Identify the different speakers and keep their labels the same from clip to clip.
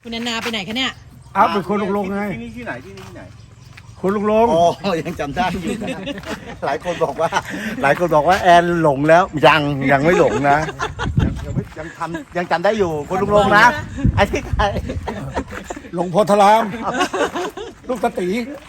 Speaker 1: คุณแอนนาไปไหนคะเนี่ย
Speaker 2: อ้าวเป็นคนลงไง
Speaker 3: ที่นี่ที่ไหนที่นี่ที่ไหน
Speaker 2: คนลง
Speaker 3: อ๋อยังจำได้อยู่นะ หลายคนบอกว่าแอนหลงแล้วยังไม่หลงนะยังจำได้อยู่คนลุงนะไอ้ที่ใคร
Speaker 2: ลงโพธารามลูกตะตี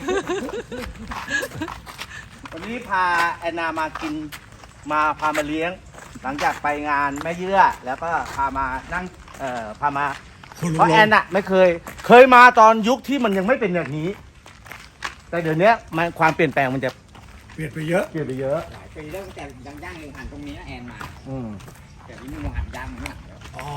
Speaker 3: วันนี้พาแอนนามากินพามาเลี้ยง หลังจากไปงานแม่เยื่อแล้วก็พามานั่งพามาเพราะแอนอะไม่เคยมาตอนยุคที่มันยังไม่เป็นแบบนี้ แต่เดี๋ยวนี้มันความเปลี่ยนแปลงมันจะ
Speaker 2: เปลี่ยนไปเยอะ
Speaker 3: เปลี่ยนไปเยอะ
Speaker 4: หลายปีแล้วตั้งแต่ยังย่างยังหันตรงนี้นะแอนมา
Speaker 3: อืม
Speaker 4: แต่ที่นี่ยังหันย่างมันหันแล้ว
Speaker 2: อ๋อ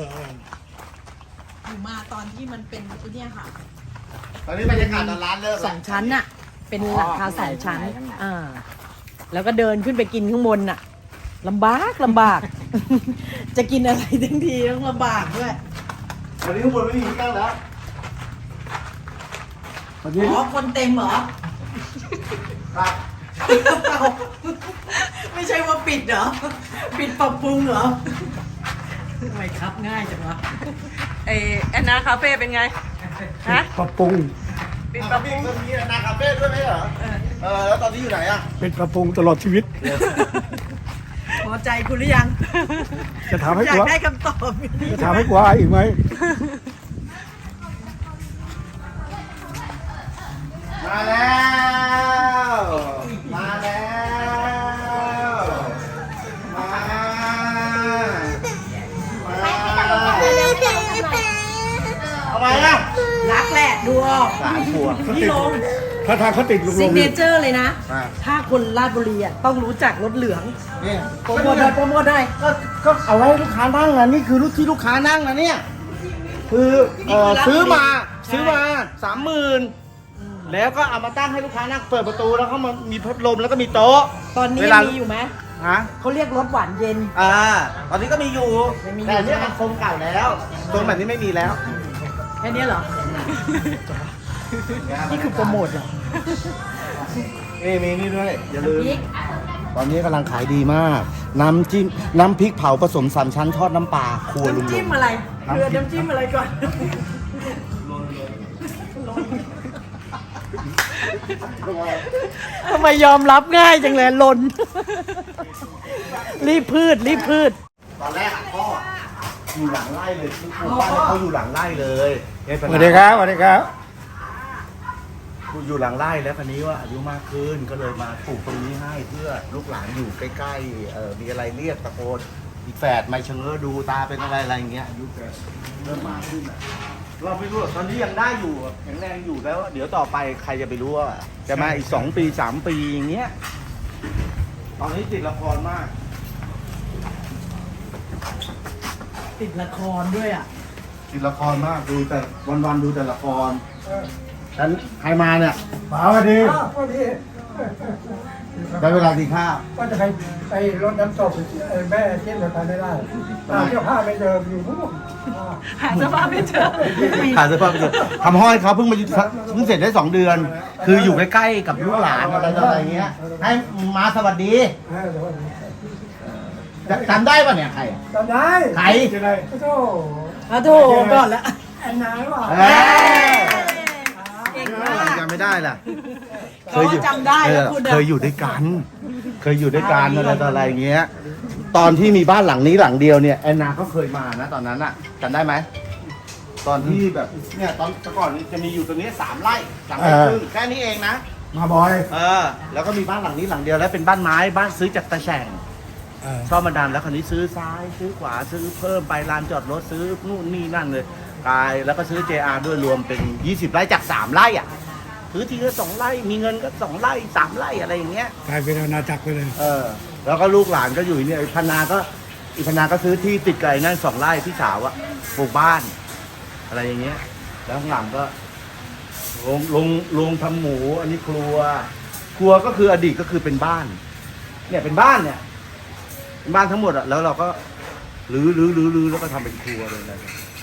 Speaker 1: อยู่มาตอนที่มันเป็นไอ้เนี่ยค่ะ
Speaker 3: ตอนนี้บรรยากาศตอนร้านเลิก
Speaker 1: สองชั้นน่ะ เป็นหลังคาสองชั้นแล้วก็เดินขึ้นไปกินข้างบนน่ะลำบาก จะกินอะไรทั้งทีต้องลำบากด้วย
Speaker 3: วันนี้ข้างบนไม่มีที่ตั้งแล้ว
Speaker 2: วันนี้
Speaker 1: อ๋อคนเต็มเหรอ
Speaker 3: ครับ
Speaker 1: ไม่ใช่ว่าปิดเหรอ ปิดปรับปรุงเหรอทำไมครับง่ายจังวะ
Speaker 5: แอนนาคาเฟ่เป็นไง ฮะ
Speaker 2: ปรับปรุง
Speaker 5: ปิดปรับปรุง
Speaker 3: มันมีนาคาเฟ่ด้วยไหมเหรอแล้วตอนนี้อยู่ไหนอ่ะ
Speaker 2: เป็นปรับปรุงตลอดชีวิต
Speaker 1: พอใจคุณหรือยัง
Speaker 2: จะถามให้
Speaker 1: อยาก
Speaker 2: กลัว
Speaker 1: ได้คำตอบ
Speaker 2: จะถามให้กลัวอีกไหม
Speaker 3: มาแล้วมาแล้วมาเอาไปอ่ะ
Speaker 1: รักแหละดูออก
Speaker 3: 3 ขวบ
Speaker 1: พี่ลง
Speaker 2: ถ้าทางเขาติดลง
Speaker 1: ซิกเน
Speaker 2: นี่
Speaker 1: เจอร์เลยนะ
Speaker 3: อ่า
Speaker 1: ถ้าคนราชบุรีอ่ะต้องรู้จักรถเหลือง
Speaker 3: เนี่ย
Speaker 1: โปรโมทหน่อยโปรโมทหน่อย
Speaker 3: ก็เอาไว้ให้ลูกค้านั่งนะนี่คือรุ่นที่ลูกค้านั่งนะเนี่ยคือซื้อมา30,000แล้วก็เอามาตั้งให้ลูกค้านั่งเปิดประตูแล้วเขามามีพัดลมแล้วก็มีโต๊ะ
Speaker 1: ตอนนี้
Speaker 3: เวลา
Speaker 1: มีอยู่ไหม
Speaker 3: ฮะ
Speaker 1: เขาเรียกรถหวานเย็น
Speaker 3: ตอนนี้ก็มีอยู่
Speaker 1: ยังมีอยู่
Speaker 3: แต่อันเนี่ยมันโครงเก่าแล้วตรงแบบนี้ไม่มีแล้ว
Speaker 1: แค่นี้เหรอ นี่คือโปรโมทเหรอ
Speaker 3: นี่มีนี่ด้วยอย่าลืม
Speaker 1: พริก
Speaker 3: ตอนนี้กำลังขายดีมาก น้ำจิ้มน้ำพริกเผาผสมสามชั้นทอดน้ำปลาครัวลุง
Speaker 1: น้ำ
Speaker 3: ล
Speaker 1: จิ้
Speaker 3: ง
Speaker 1: มอะไรเรือน้ำจิ้มอะไรก่อน ทำไมยอมรับง่ายจังเลยลน รีบพืช
Speaker 3: ตอนแรกพ่ออยู่หลังไร่เลยคือปลูกบ้านให้เขาอยู่หลังไร่เลย
Speaker 2: สวัสดีครับสวัสดีครับ
Speaker 3: อยู่หลังไร่แล้วคันนี้ว่าอายุมากขึ้นก็เลยมาปลูกตรงนี้ให้เพื่อลูกหลานอยู่ใกล้ๆมีอะไรเรียกตะโกนอีกแฝดไม่เชงเง้อดูตาเป็นอะไรอย่างเงี้ยอายุแกเริ่มมากขึ้นอ่ะเราไม่รู้หรอกตอนนี้ยังได้อยู่แข็งแรงอยู่แล้วเดี๋ยวต่อไปใครจะไปรู้ว่าจะมาอีก2 ปี 3 ปีอย่างเงี้ยตอนนี้ติดละครมาก
Speaker 1: ติดละครด้วยอ่ะ
Speaker 3: ติดละครมากดูแต่วันๆดูแต่ละครฉันใครมาเนี่ย
Speaker 2: ป๋าสวัสดี
Speaker 3: ได้เวลากินข้าว
Speaker 6: ก็จะไปรดน้ำศพแม่เที่ยงไปไม่ได้ตามเจ้าผ้าไม่เจออยู่นู่น
Speaker 5: หาเสื้อผ้าไม่เจอ
Speaker 3: หาเสื้อผ้าไปดูทำห้อยเขาเพิ่งเสร็จได้2 เดือน คืออยู่ใกล้ๆกับลูกหลานอะไรต่ออะไรเงี้ย ให้มาสวัสดีจำได้ป่ะเนี่ยใคร
Speaker 6: จำได้
Speaker 3: ใคร
Speaker 6: จะได้โธ่
Speaker 1: เอาโถก่อนละ
Speaker 6: แอนนาหรือเปล่า
Speaker 1: เก่งมาก
Speaker 3: จำไม่ได้ล่ะ
Speaker 1: เขาก็จำได้แล้วคุณอะ
Speaker 3: เคยอยู่ด้วยกัน เคยอยู่ด้วยกันอะไรต่ออะไรเงี้ย ตอนที่มีบ้านหลังนี้หลังเดียวเนี่ยแอนนาก็เคยมานะตอนนั้นอะจำได้ไหม ตอนที่แบบเนี่ยตอนก่อนจะมีอยู่ตรงนี้3 ไร่3 ไร่ครึ่งแค่นี้เองนะ
Speaker 2: มาบ่อย
Speaker 3: แล้วก็มีบ้านหลังนี้หลังเดียวแล้วเป็นบ้านไม้บ้านซื้อจากตะแฉ่งชอบมาดามแล้วคราวนี้ซื้อซ้ายซื้อขวาซื้อเพิ่มไปลานจอดรถซื้อนู่นนี่นั่นเลยกายแล้วก็ซื้อ JR ด้วยรวมเป็น20 ไร่จาก3 ไร่อ่ะซื้อทีละ2 ไร่มีเงินก็2 ไร่3 ไร่อะไรอย่างเงี้ย
Speaker 2: กลายเป็นอาณาจักรไปเลย
Speaker 3: แล้วก็ลูกหลานก็อยู่เนี่ยอีพนาก็ซื้อที่ติดไก่นั่น2 ไร่พี่สาวอะปลูกบ้านอะไรอย่างเงี้ยแล้วข้างหลังก็ลงทำหมูอันนี้ครัวก็คืออดีตก็คือเป็นบ้านเนี่ยเป็นบ้านเนี่ยเป็นบ้านทั้งหมดอะแล้วเราก็รื้อแล้วก็ทำเป็นครัวเลยนะ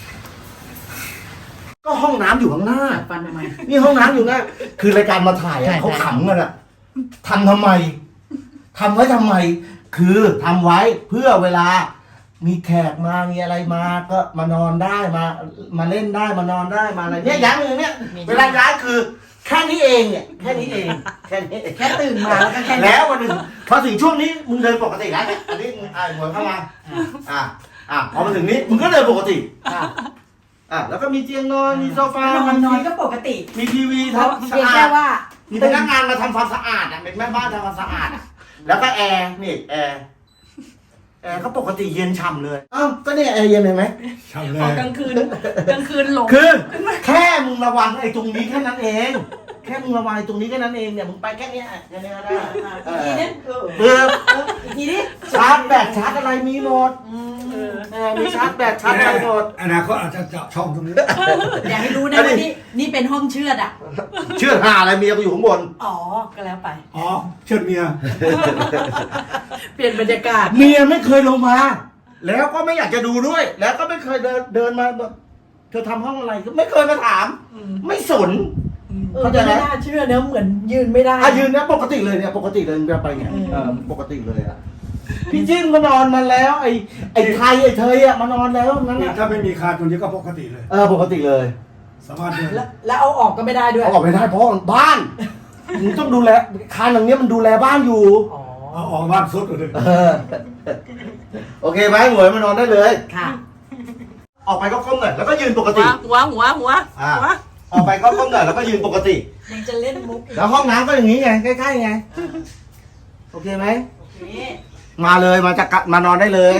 Speaker 3: ก็ห้องน้ำอยู่ข้างหน้า
Speaker 1: ฟันทำไม
Speaker 3: นี่ห้องน้ำอยู่หน้าคือรายการมาถ่ายอะเขาขำกันอะทำไมทำไว้ทำไม คือทำไว้เพื่อเวลามีแขกมามีอะไรมาก็มานอนได้มาเล่นได้มานอนได้มาอะไรเนี่ยย้ายอย่างเนี้ยเวลาย้ายคือแค่นี้เองเนี่ยแค่นี้เองแค่นี้
Speaker 1: แค่ตื่นมาแล้วก็แค่นี้
Speaker 3: แล้ววันหนึ่งพอถึงช่วงนี้มึงเดินปกติแล้วเนี่ยอันนี้มึงหัวเข้ามาพอมาถึงนี้มึงก็เดินปกติแล้วก็มีเตียงนอนมีโซฟาน
Speaker 1: อนก็ปกติ
Speaker 3: มีทีวี
Speaker 1: เพราะ
Speaker 3: ทำสะ
Speaker 1: เพียง
Speaker 3: อา
Speaker 1: แค่
Speaker 3: ด
Speaker 1: ว่า
Speaker 3: มีพนักงานมาทำความสะอาดเป็นแม่บ้านทำความสะอาดแล้วก็แอร์นี่แอร์ก็ปกติเย็นฉ่ำเลยก็เนี่ยแอร์เย็นเห็นไหม
Speaker 2: ช่างเล
Speaker 5: พอย กลางคืนหลง
Speaker 3: คือแค่มึงระวังไอ้ตรงนี้แค่นั้นเอง แค่มึงระวังไอ้ตรงนี้แค่นั้นเองเนี่ยมึงไปแค่เนี้ยก็ได้
Speaker 1: อีกทีนึง
Speaker 3: อีกทีนี้ชาร์จแบตชาร์จอะไรมีหมดมีชาร์จแบตชาร์จอะไรหมด
Speaker 2: อนาคตอาจจะเจาะช่องตรงนี้
Speaker 1: อย่าให้รู้นะว่านี่เป็นห้องเชือดอ่ะ
Speaker 3: เชื่อหาอะไรเมียกูอยู่ข้างบน
Speaker 1: อ๋อ ก็แล้วไป
Speaker 2: อ๋อเชิดเมีย
Speaker 1: เปลี่ยนบรรยากาศ
Speaker 3: เมียไม่เคยลงมา แล้วก็ไม่อยากจะดูด้วย แล้วก็ไม่เคยเดินมาเธอทำห้องอะไรก็ไม่เคยมาถาม ไม่สน
Speaker 1: เขาจะไม่น่าเชื่อเนอะเหมือนยืนไม่ได้
Speaker 3: ยืนเนี่ยปกติเลยเนี่ยปกติเลยไปไงปกติเลยพี่จิ้มก็นอนมาแล้ว ไอ้ไทยไอ้เธอมานอนแล้วนั่น
Speaker 2: ถ้าไม่มีคานตรงนี้ก็ปกติเลย
Speaker 3: ปกติเลย
Speaker 2: สามารถเดิน
Speaker 1: แล้วเอาออกก็ไม่ได้ด้วย
Speaker 3: เอาออกไม่ได้เพราะบ้านมึงต้องดูแลคานอย่างเนี้ยมันดูแลบ้านอยู่
Speaker 1: อ๋อ
Speaker 2: เอาออกบ้านสุดเลย
Speaker 3: โอเคไหมหมวยมานอนได้เลย
Speaker 1: ค่ะ
Speaker 3: ออกไปก็ก้มหน่อยแล้วก็ยืนปกติ
Speaker 5: หัว
Speaker 3: ออกไปก็ก้มหน่อยแล้วก็ยืนปกติ
Speaker 1: ยังจะเล่นมุก
Speaker 3: แล้วห้องน้ำก็อย่างนี้ไงใกล้ๆไงโอเคไหม
Speaker 1: โอเค
Speaker 3: มาเลยมานอนได้เลย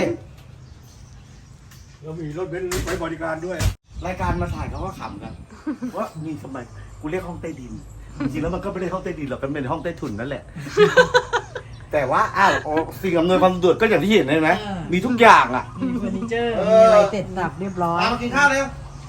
Speaker 2: เรามีรถเบนซ์ไว้บริการด้วย
Speaker 3: รายการมาถ่ายเขาก็ขำกันว่ามีทำไมกูเรียกห้องใต้ดินจริงๆแล้วมันก็ไม่ได้ห้องใต้ดินหรอกมันเป็นห้องใต้ถุนนั่นแหละ แต่ว่าสิ่งอำนวยความสะดวกก็อย่างที่เห็นเลยนะมีทุกอย่างอ่ะ
Speaker 1: มีเฟอร์นิเจอร์ มีอะไรเสร็จสับเรียบร้อย
Speaker 3: มากินข้าวเร็ว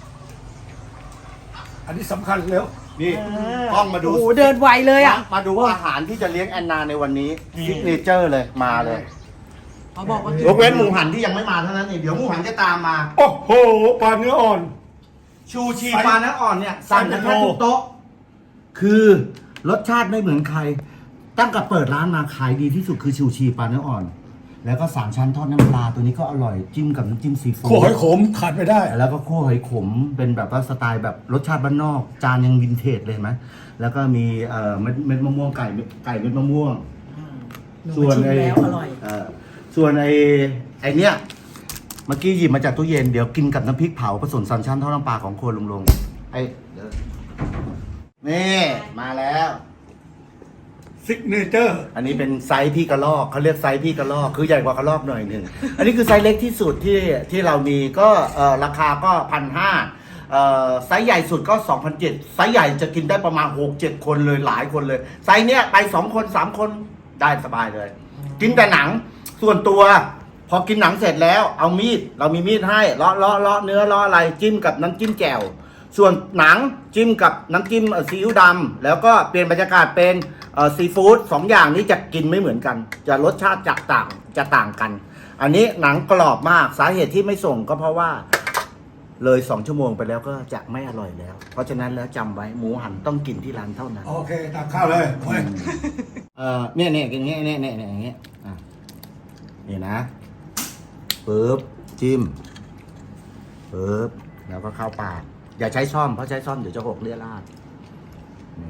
Speaker 2: อันนี้สำคัญแล้ว
Speaker 3: นี่ต้องมาดู
Speaker 1: โอ้โห เดินไวเลยอ่ะ
Speaker 3: มาดูอาหารที่จะเลี้ยงแอนนาในวันนี้ซิกเนเจอร์เลยมาเลย
Speaker 1: เขาบอกว่าย
Speaker 3: กเว้นหมูหันที่ยังไม่มาเท่านั้นเองเดี๋ยวหมูหันจะตามมา
Speaker 2: โอ้โหปลาเนื้ออ่อน
Speaker 3: ชูชีปลาเนื้ออ่อนเนี่ยสั่งกันแค่ทุกโต๊ะคือรสชาติไม่เหมือนใคร ตั้งแต่เปิดร้านมาขายดีที่สุดคือชูชีปลาเนื้ออ่อน แล้วก็3ชั้นทอดน้ำปลาตัวนี้ก็อร่อยจิ้มกับน้ำจิ้มซีฟู้ด
Speaker 2: ขั่วหอยขมขาดไม่ได้
Speaker 3: แล้วก็คั่วหอยขมเป็นแบบว่าสไตล์แบบรสชาติบ้านนอก จานยังวินเทจเลยเห็นไหมแล้วก็มีเม็ดมะม่วงไก่เม็ดมะม่วง
Speaker 1: หนู
Speaker 3: ส่วน
Speaker 1: ชิม
Speaker 3: ไอ้
Speaker 1: แล้วอร่อย
Speaker 3: ส่วนไอ้เนี้ยเมื่อกี้หยิบมาจากตู้เย็นเดี๋ยวกินกับน้ำพริกเผาผสม3ชั้นทอดน้ำปลาของครัวลุงลงเดี๋ยวนี่มาแล้ว
Speaker 2: ซิกเนเจอร์
Speaker 3: อันนี้เป็นไซส์พี่กระลอกเขาเรียกไซส์พี่กระลอกคือใหญ่กว่ากระลอกหน่อยหนึ่งอันนี้คือไซส์เล็กที่สุดที่เรามีก็ราคาก็1,500ไซส์ใหญ่สุดก็2,700ไซส์ใหญ่จะกินได้ประมาณ 6-7 คนเลยหลายคนเลยไซส์เนี้ยไป2 คน3 คนได้สบายเลย กินแต่หนังส่วนตัวพอกินหนังเสร็จแล้วเอามีดเรามีมีดให้เลาะเนื้อเลาะอะไรจิ้มกับน้ำจิ้มแจ่วส่วนหนังจิ้มกับน้ำจิ้มซีอิ๊วดำแล้วก็เปลี่ยนบรรยากาศเป็นซีฟู้ด2อย่างนี้จะกินไม่เหมือนกันจะรสชาติจะต่างกัน อันนี้หนังกรอบมากสาเหตุที่ไม่ส่งก็เพราะว่าเลย2 ชั่วโมงไปแล้วก็จะไม่อร่อยแล้ว เพราะฉะนั้นแล้วจำไว้หมูหันต้องกินที่ร้านเท่านั้น
Speaker 2: โอเคตักข้าวเลยเว้ย
Speaker 3: เนี่ยกินอย่างเงี้ยเนี่ยอย่างเงี้ยนี่นะปึ๊บจิ้มปึ๊บแล้วก็เข้าปากอย่าใช้ซ่อมเพราะใช้ซ่อมเดี๋ยวจะหกเลี่ยราดนี่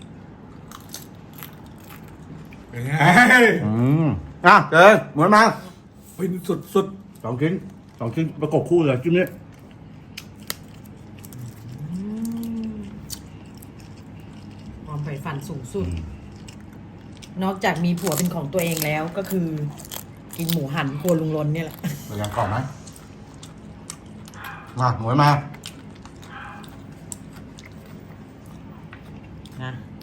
Speaker 2: เป็นไง
Speaker 3: เดินหมุนมา
Speaker 2: ฟินสุด
Speaker 3: 2 ชิ้นประกบคู่เลยจิ้มนี่
Speaker 1: ความใฝ่ฝันสูงสุด นอกจากมีผัวเป็นของตัวเองแล้วก็คือ กินหมูหันครัวลุงลนเนี่ยแหละ
Speaker 3: เรายังกรอบไหมมาหมุนมา
Speaker 1: นะ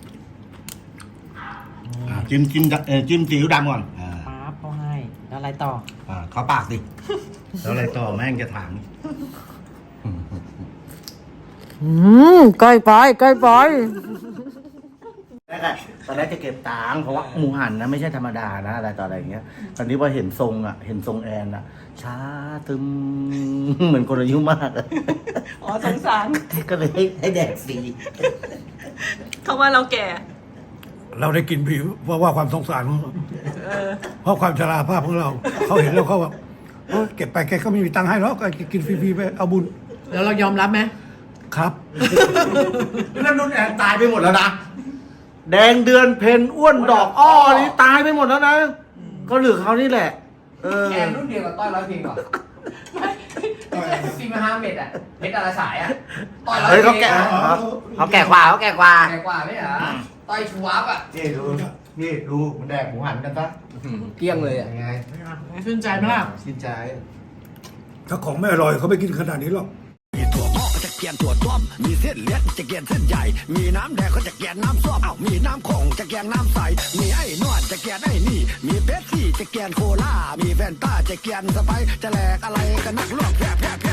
Speaker 3: จิ้มซีอิ๊วดำก่อน
Speaker 1: ป๊าบเขาให้ แล้วอะไรต่อ
Speaker 3: เข้าปากสิ แล้วอะไรต่อแม่งจะถาม
Speaker 1: ใกล้ไป
Speaker 3: ตอนแรกจะเก็บตังค์เพราะว่าหมูหันนะไม่ใช่ธรรมดานะอะไรต่ออะไรอย่างเงี้ย ตอนนี้พอเห็นทรงแอนช้าตึมเหมือนคนอายุมากอะ
Speaker 5: อ๋อสงสาร
Speaker 3: ก็เลยให้แดกฟรี
Speaker 5: เขาว่าเราแก่
Speaker 2: ๆ เราได้กินผิวเพราะว่าความสงสารของเราเพราะความชราภาพของเรา เขาเห็นแล้วเขาแบบโอ้ยเก็บไปแกก็ไม่มีตังค์ให้หรอกก็กินฟรีๆไปเอาบุญ
Speaker 1: แล้วเรายอมรับไหม
Speaker 2: ครับ
Speaker 3: นั่นนุ่นแอนตายไปหมดแล้วนะ แดงเดือนเพนอ้วนดอกอ้อนี่ตายไปหมดแล้วนะ ก็เหลือเขานี่แหละ เออ
Speaker 4: แอนรุ่นเดียวกับต้อยร้อยเพลงเหรอ4-5 เม็ดอ่ะเม็ดอะไรสายอ่ะต้อยร้อย
Speaker 3: เฮ้ย
Speaker 4: เพล
Speaker 3: เขาแก่
Speaker 4: งอะ
Speaker 3: เขาแก่กว่าเขาแก่กว่า
Speaker 4: แก่กว่าไม่เหรอต้อยชูวับอ่ะ
Speaker 3: นี่ดูนี่ดูมันแดกหมูหันกันซะ
Speaker 4: เกลี้ยงเลยอ่ะ
Speaker 3: ยังไง
Speaker 1: ชื่นใจไหมล่ะ
Speaker 3: ชินใจ
Speaker 2: ถ้าของไม่อร่อยเขาไม่กินขนาดนี้หรอก
Speaker 7: มีถั่วงอกจะเกียนถั่วต้มมีเส้นเล็กจะเกียนเส้นใหญ่ มีน้ำแดงก็จะเกียนน้ำส้มเอ้ามีน้ำคงจะเกียนน้ำใส มีไอ้นวดจะเกียนไอ้นี่ มีเป๊ปซี่จะเกียนโคลา มีแฟนต้าจะเกียนสไปร์จะแหลกอะไรกันนักลวกแผล